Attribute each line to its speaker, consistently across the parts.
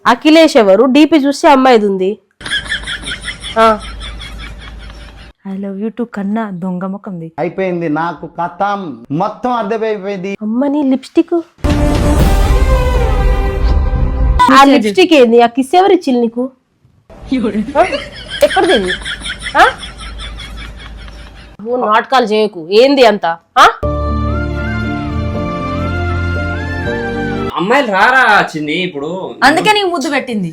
Speaker 1: అఖిలేష్ ఎవరు? డీపీ చూస్తే అమ్మాయిది ఉంది.
Speaker 2: ఐ లవ్ యూ టు కన్నా దొంగ ముఖంది.
Speaker 3: అయిపోయింది నాకు కథం మొత్తం అర్థమైపోయింది.
Speaker 1: అమ్మని లిప్స్టిక్, ఆ లిప్స్టిక్ ఏంది? ఆ కిస్ ఎవరు ఇచ్చిల్లు నీకు? ఎక్కడిది? నువ్వు నాటకాలు చేయకు. ఏంది అంత?
Speaker 4: అమ్మాయిలు రారా చిన్ని ఇప్పుడు,
Speaker 2: అందుకే నీకు ముద్దు పెట్టింది.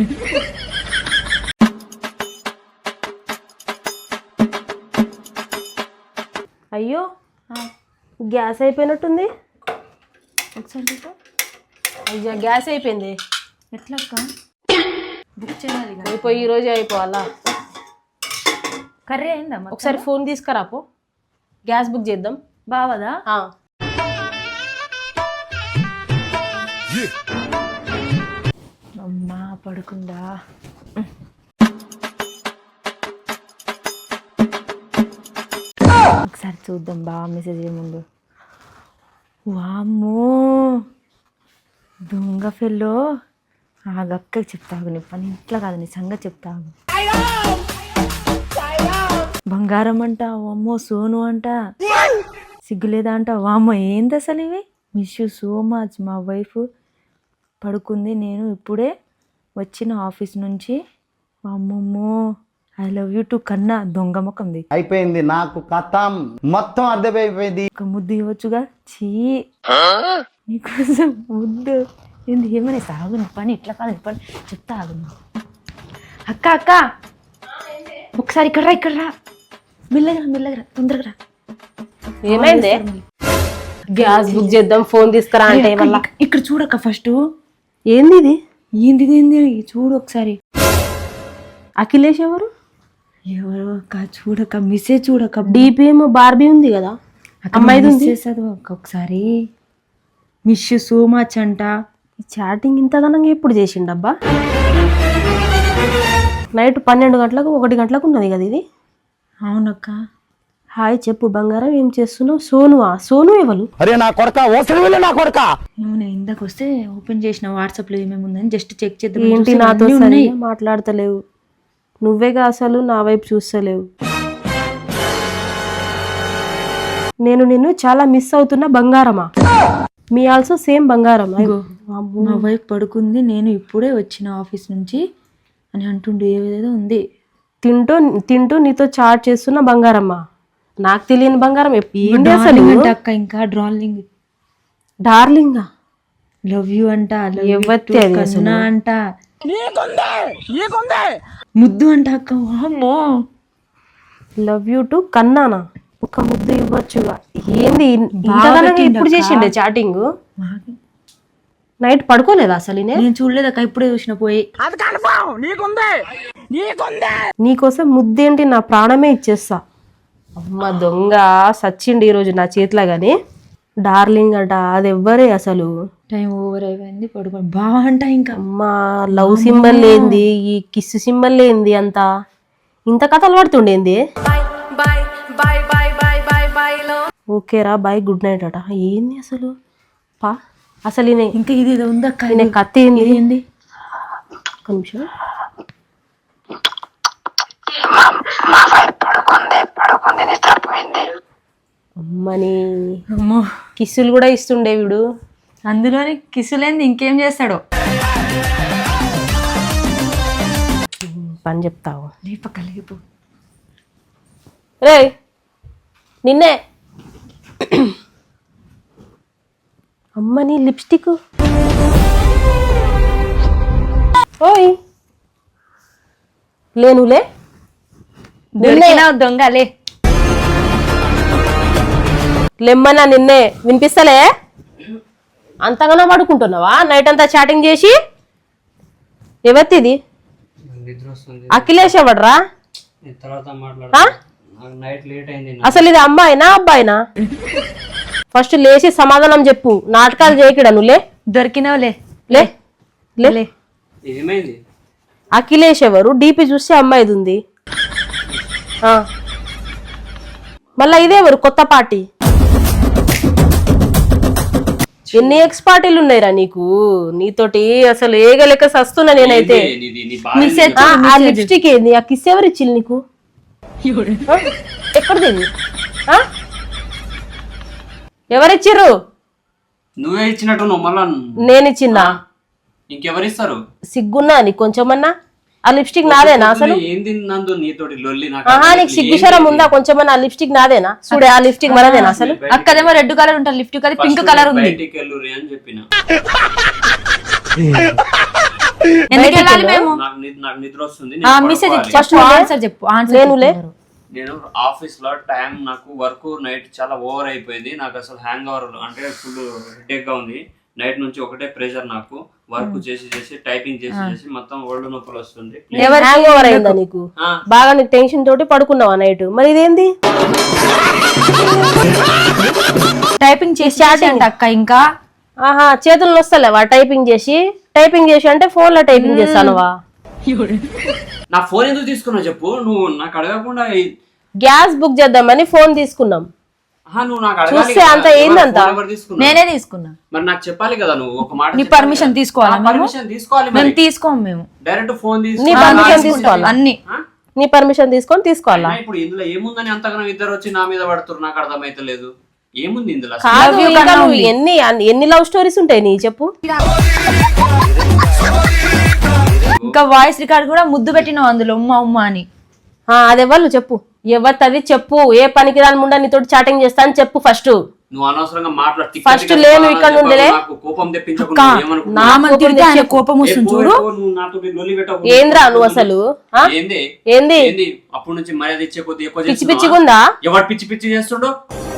Speaker 1: అయ్యో గ్యాస్ అయిపోయినట్టుంది.
Speaker 2: ఒకసారి
Speaker 1: అయ్యా గ్యాస్ అయిపోయింది.
Speaker 2: ఎట్లా బుక్ చేయాలి?
Speaker 1: అయిపోయి ఈ రోజే అయిపోవాలా?
Speaker 2: కర్రీ అయిందా?
Speaker 1: ఒకసారి ఫోన్ తీసుకురాపో, గ్యాస్ బుక్ చేద్దాం.
Speaker 2: బావదా? అమ్మా పడుకుందా? ఒకసారి చూద్దాం బావ మెసేజ్ ముందు. వామ్మో దొంగ ఫెల్లో. ఆ గక్కకి చెప్తాగు, నీ పని ఇంట్లో కాదు, నీ సంగతి చెప్తాగు. బంగారం అంట, వామ్మో సోను అంట, సిగ్గులేదా అంట. వామ్మో ఏంది అసలు ఇవి? Miss you so much. మా వైఫ్ పడుకుంది, నేను ఇప్పుడే వచ్చిన ఆఫీస్ నుంచి. అమ్మమ్మో ఐ లవ్ యూ టు కన్నా దొంగ ముఖంది.
Speaker 3: అయిపోయింది నాకు కథం మొత్తం అర్థమైపోయింది.
Speaker 2: ఒక ముద్దు ఇవ్వచ్చుగా. చీ నీకోసం ముద్దు ఏంది? ఏమనే సాగు, నీ పని ఇట్లా కాదు, నీ పని చెప్తా ఆగు. అక్క అక్క ఒకసారి ఇక్కడ రా, ఇక్కడ రా, మెల్లగా మెల్లగా తొందరగా రా.
Speaker 1: ఏమైంది? గ్యాస్ బుక్ చేద్దాం, ఫోన్ తీసుకురా అంటే వల్ల.
Speaker 2: ఇక్కడ చూడక్క ఫస్ట్.
Speaker 1: ఏంది ఇది?
Speaker 2: ఏంది ఏంది చూడు ఒకసారి.
Speaker 1: అఖిలేష్ ఎవరు?
Speaker 2: ఎవరు అక్క? చూడక్క మెసేజ్ చూడక్క.
Speaker 1: డీపీ ఏమో బార్బీ ఉంది కదా, అమ్మాయిది ఉంది.
Speaker 2: ఒకసారి మిస్ యూ సో మచ్ అంట.
Speaker 1: ఈ చాటింగ్ ఇంత ఘనంగా ఎప్పుడు చేసిండబ్బా? నైట్ 12 గంటలకు 1 గంటలకు ఉన్నది కదా ఇది.
Speaker 2: అవునక్క.
Speaker 1: హాయ్ చెప్పు బంగారం, ఏం చేస్తున్నావు? సోనువా? సోను ఎవరు?
Speaker 3: అరే నా కొడక, ఓసరి వెళ్ళి నా కొడక.
Speaker 2: నేను ఇందాక వస్తే ఓపెన్ చేసిన వాట్సాప్ లో ఏమేమి ఉందని జస్ట్ చెక్ చేద్దాం.
Speaker 1: ఏంటి నాతో మాట్లాడతలేవు? నువ్వేగా అసలు నా వైపు చూస్తలేవు. నేను నిన్ను చాలా మిస్ అవుతున్నా బంగారమా. మీ ఆల్సో సేమ్ బంగారం.
Speaker 2: మా వైఫ్ పడుకుంది, నేను ఇప్పుడే వచ్చిన ఆఫీస్ నుంచి అని అంటుండే ఏదేదో ఉంది.
Speaker 1: తింటూ తింటూ నీతో చాట్ చేస్తున్న బంగారమ్మా. నాకు తెలియని బంగారం ఏంటి అసలు?
Speaker 2: అక్క ఇంకా డార్లింగ్.
Speaker 1: డార్లింగా?
Speaker 2: లవ్ యూ అంట,
Speaker 1: కన్నా
Speaker 2: అంట, ముద్దు అంట అక్క. అమ్మో
Speaker 1: లవ్ యూ టు కన్నానా? ఒక ముద్దు ఇవ్వచ్చుగా. ఏంది ఎప్పుడు చేసిండే చాటింగ్? నైట్ పడుకోలేదా అసలు?
Speaker 2: నేను చూడలేదక్క, ఇప్పుడే చూసిన పోయి.
Speaker 1: నీకోసం ముద్దేంటి, నా ప్రాణమే ఇచ్చేస్తా. అమ్మ దొంగ సచ్చిండి ఈరోజు నా చేతిలో. గాని డార్లింగ్ అట, అది ఎవ్వరే అసలు?
Speaker 2: టైం ఓవర్ అయిపోయింది, పడుకో బాగా అంట. ఇంకా
Speaker 1: అమ్మ లవ్ సింబల్ ఏంది, ఈ కిస్ సింబల్ ఏంది, అంతా ఇంత కథలు పడుతుండేంది? ఓకేరా బాయ్, గుడ్ నైట్ అట. ఏంది అసలు పా? అసలు
Speaker 2: ఇంకా ఇది ఉందక్క,
Speaker 1: కథ ఏంది? ఒక నిమిషం. అమ్మని
Speaker 2: అమ్మో
Speaker 1: కిస్సులు కూడా ఇస్తుండే వీడు.
Speaker 2: అందులోని కిస్సులేంది ఇంకేం చేస్తాడో.
Speaker 1: పని చెప్తావు
Speaker 2: లేపకలేపు.
Speaker 1: రే నిన్నే. అమ్మని లిప్స్టిక్. ఓయ్ లేనులే
Speaker 2: దొంగలే
Speaker 1: లెమ్మన్నా నిన్నే. వినిపిస్తలే? అంతగానో పడుకుంటున్నావా నైట్ అంతా చాటింగ్ చేసి? ఎవరిది? అఖిలేష్ ఎవడ్రా? అసలు ఇది అమ్మాయినా అబ్బాయినా? ఫస్ట్ లేచి సమాధానం చెప్పు. నాటకాలు చేయకడా నువ్వులే.
Speaker 2: దొరికినావులే.
Speaker 1: లే లే.
Speaker 4: ఏమైంది?
Speaker 1: అఖిలేష్ ఎవరు? డీపీ చూస్తే అమ్మాయిది ఉంది. మళ్ళా ఇదేవరు? కొత్త పార్టీ ఎన్ని ఎక్స్ పార్టీలు ఉన్నాయిరా నీకు? నీతోటి అసలు ఏగలెక్క సస్తున్నా నేనైతే. ఆ లిప్స్టిక్ ఏంది? ఆ కిస్ ఎవరు ఇచ్చిల్లు నీకు? ఎక్కడిది? ఎవరిచ్చిర్రు?
Speaker 4: నువ్వే ఇచ్చినట్టు నువ్వు మళ్ళా
Speaker 1: నేను ఇచ్చిందా?
Speaker 4: ఇంకెవరిస్తారు?
Speaker 1: సిగ్గున్నా నీకు కొంచెమన్నా? ఆ లిప్స్టిక్ నాదేనా అసలు?
Speaker 4: ఏంది నందు నీతోటి లొల్లి?
Speaker 1: ఆహా, నీకు సిగ్గుశరం ఉందా కొంచెమన్నా? ఆ లిప్స్టిక్ నాదేనా? చూడే, ఆ లిప్స్టిక్ మనదేనా అసలు?
Speaker 2: అక్కదేమో రెడ్ కలర్ ఉంటుంది, లిప్స్టిక్ అది పింక్ కలర్ ఉంది.
Speaker 4: బయటికి వెళ్ళురి అని చెప్పిన.
Speaker 2: ఎందుకు వెళ్ళాలి మేము?
Speaker 4: నాకు నిద్ర వస్తుంది.
Speaker 2: మెసేజ్ ఫస్ట్ ఆన్సర్ చెప్పు.
Speaker 1: నేనులే.
Speaker 4: నేను ఆఫీస్ లో టైం నాకు వర్క్ నైట్ చాలా ఓవర్ అయిపోయింది. నాకు అసలు హ్యాంగ్ ఓవర్ అంటే ఫుల్ హెడేక్ గా ఉంది. నైట్ నుంచి ఒకటే ప్రెషర్, నాకు వర్క్ చేసి చేసి టైపింగ్ చేసి చేసి మొత్తం ఒళ్ళు నొప్పులు వస్తుంది.
Speaker 1: హ్యాంగ్ ఓవర్ అయిందా నీకు? బాగా నీకు టెన్షన్ తోటి పడుకున్నావా నైట్? మరి ఇదేంది?
Speaker 2: టైపింగ్ చేసి అంట అక్క. ఇంకా
Speaker 1: ఆహా, చేతులు వస్తలేవా టైపింగ్ చేసి? టైపింగ్ చేసి అంటే ఫోన్ లో టైపింగ్ చేస్తానువా?
Speaker 4: నా ఫోన్ ఎందుకు తీసుకున్నావు చెప్పు? నువ్వు నాకు అడగకుండా.
Speaker 1: గ్యాస్ బుక్ చేద్దామని ఫోన్ తీసుకున్నాం.
Speaker 4: నువ్వు నాకు
Speaker 1: చూస్తే అంత ఏందంత?
Speaker 2: నేనే తీసుకున్నా.
Speaker 4: మరి నాకు చెప్పాలి కదా, నువ్వు ఒక మాట.
Speaker 2: నీ పర్మిషన్ తీసుకోవాలా?
Speaker 4: పర్మిషన్ తీసుకోవాలి.
Speaker 2: మేము తీసుకోము. మేము
Speaker 4: డైరెక్ట్ ఫోన్
Speaker 1: నీ పర్మిషన్ తీసుకోవాలా?
Speaker 2: అన్ని
Speaker 1: నీ పర్మిషన్ తీసుకొని తీసుకోవాలా?
Speaker 4: ఇప్పుడు ఇందులో ఏముందని అంతగానో ఇద్దరు వచ్చి నా మీద పడుతున్నారు? నాకు అర్థమైతలేదు ఏముంది ఇందులో.
Speaker 1: కాదు, ఇంకా నువ్వు ఎన్ని లవ్ స్టోరీస్ ఉంటాయి నీ చెప్పు?
Speaker 2: ఇంకా వాయిస్ రికార్డ్ కూడా ముద్దు పెట్టినావు అందులో, ఉమ్మ ఉమ్మ అని.
Speaker 1: అది ఎవరు చెప్పు? ఎవరిది చెప్పు? ఏ పనికి రాని ముండా నీతో చాటింగ్ చేస్తా అని చెప్పు ఫస్ట్.
Speaker 4: నువ్వు అనవసరంగా మాట్లాడు.
Speaker 1: ఫస్ట్ లేను ఇక్కడ నుండిలే.
Speaker 4: కోపం తెప్పించకుండా
Speaker 2: కోపం వస్తుంది చూడు.
Speaker 1: ఏంద్రా నువ్వు అసలు? ఏంది
Speaker 4: అప్పటి నుంచి మర్యాద ఇచ్చే కొద్ది ఎక్కువ
Speaker 1: పిచ్చి పిచ్చిగుందా?
Speaker 4: ఎవరు పిచ్చి పిచ్చి చేస్తుండో?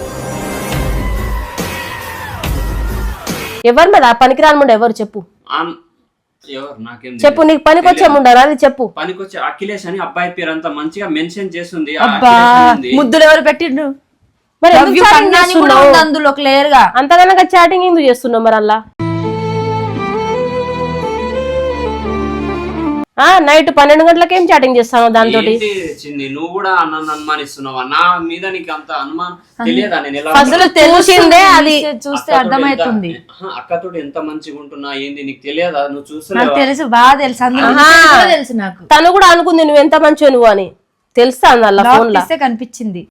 Speaker 1: ఎవరు మరి ఆ పనికి రాని ముండా ఎవరు చెప్పు? చెప్పు, నీకు పనికి వచ్చే ముండారా? అది చెప్పు.
Speaker 4: పనికొచ్చే అఖిలేష్ అని అబ్బాయి పేరు అంతా మంచిగా మెన్షన్ చేస్తుంది.
Speaker 2: ముద్దులు ఎవరు పెట్టిండ్రు?
Speaker 1: మరి
Speaker 2: అందులో క్లియర్ గా
Speaker 1: అంతగానో చాటింగ్ ఎందుకు చేస్తున్నావు మరి అలా? నైట్ 12 గంటలకు ఏం చాటింగ్ చేస్తాను దాంతో?
Speaker 4: నువ్వు కూడా నన్ను అనుమానిస్తున్నావా? నా మీద నీకు అంత అనుమానం తెలియదా? నేను
Speaker 1: అసలు తెలిసిందే, అది
Speaker 2: చూస్తే అర్థమవుతుంది.
Speaker 4: అక్కతో ఎంత మంచిగా ఉంటున్నా ఏంది నీకు తెలియదా? నువ్వు చూస్తున్నా?
Speaker 2: తెలుసు, బాగా తెలుసు. తెలుసు నాకు.
Speaker 1: తను కూడా అనుకుంది నువ్వు ఎంత మంచిగా నువ్వు అని. తెలుసా అలా ఫోన్ లో
Speaker 2: కనిపించింది.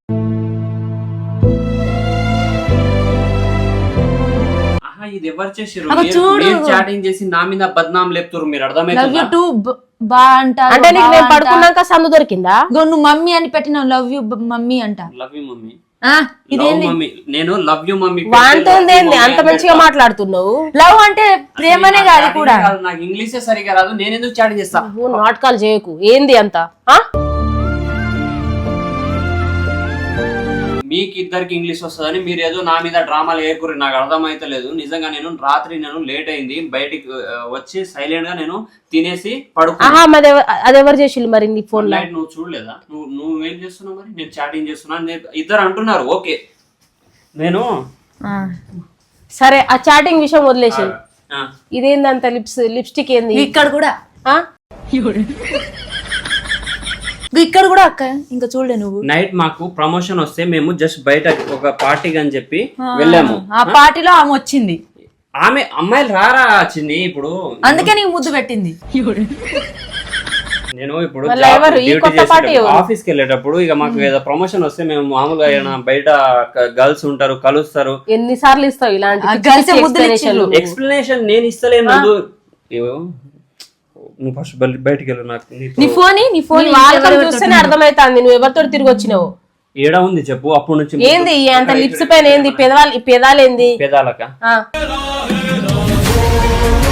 Speaker 4: ఇది ఎవరు చేసారు? చాటింగ్ చేసి నా మీద బద్నాం లేపుతారు. మీరు అర్థమైంది?
Speaker 1: అంటే నీకు నేను పడుకున్నాక సందు దొరికిందా?
Speaker 2: నువ్వు మమ్మీ అని పెట్టిన లవ్ యూ మమ్మీ అంట.
Speaker 4: Love you mummy. నేను లవ్ యూ మమ్మీ
Speaker 1: అంత మంచిగా మాట్లాడుతున్నావు.
Speaker 2: లవ్ అంటే ప్రేమనే కాదు కూడా.
Speaker 4: నాకు ఇంగ్లీషే సరిగా రాదు. నేను ఎందుకు చాటింగ్ చేస్తా?
Speaker 1: నాటకాలు చేయకు. ఏంది అంత?
Speaker 4: మీకు ఇద్దరికి ఇంగ్లీష్ వస్తుందని మీరు ఏదో నా మీద డ్రామాలు ఏర్కూరి. నాకు అర్థమైతలేదు నిజంగా. నేను రాత్రి లేట్ అయింది, బయటికి వచ్చి సైలెంట్ గా నేను తినేసి పడుకున్నా.
Speaker 1: అదెవరు చేసిల్లు మరి నీ ఫోన్ లో?
Speaker 4: నువ్వు చూడలేదా? నువ్వేం చేస్తున్నావు మరి? నేను చాటింగ్ చేస్తున్నా ఇద్దరు అంటున్నారు. ఓకే, నేను
Speaker 1: సరే ఆ చాటింగ్ విషయం వదిలేసి ఇదేందంత లిప్స్టిక్ ఏంది
Speaker 2: ఇక్కడ కూడా? ఇక్కడ కూడా అక్క ఇంకా చూడలే నువ్వు.
Speaker 4: నైట్ మాకు ప్రమోషన్ వస్తే మేము జస్ట్ బయట ఒక పార్టీకి అని చెప్పి వెళ్ళాము.
Speaker 2: ఆ పార్టీలో ఆమె వచ్చింది.
Speaker 4: ఆమె అమ్మాయిలు రారా వచ్చింది ఇప్పుడు,
Speaker 2: అందుకే నీకు ముద్దు పెట్టింది.
Speaker 4: నేను ఇప్పుడు ఆఫీస్ కి వెళ్ళేటప్పుడు ఇక మాకు ఏదో ప్రమోషన్ వస్తే మేము మామూలుగా బయట గర్ల్స్ ఉంటారు, కలుస్తారు.
Speaker 1: ఎన్నిసార్లు ఇస్తావు ఇలాంటి
Speaker 4: ఎక్స్ప్లెనేషన్? నేను ఇస్తలేను. నువ్వు ఫస్ట్ బయటికి వెళ్ళు. నాకు
Speaker 1: నీ ఫోన్ చూస్తేనే అర్థమైతుంది నువ్వు ఎవరితో తిరిగి వచ్చినావు.
Speaker 4: ఏడా ఉంది చెప్పు? అప్పటి నుంచి
Speaker 1: ఏంది అంత లిప్స్ పైన ఏంది? పెదాలేంది?
Speaker 4: పెదాలక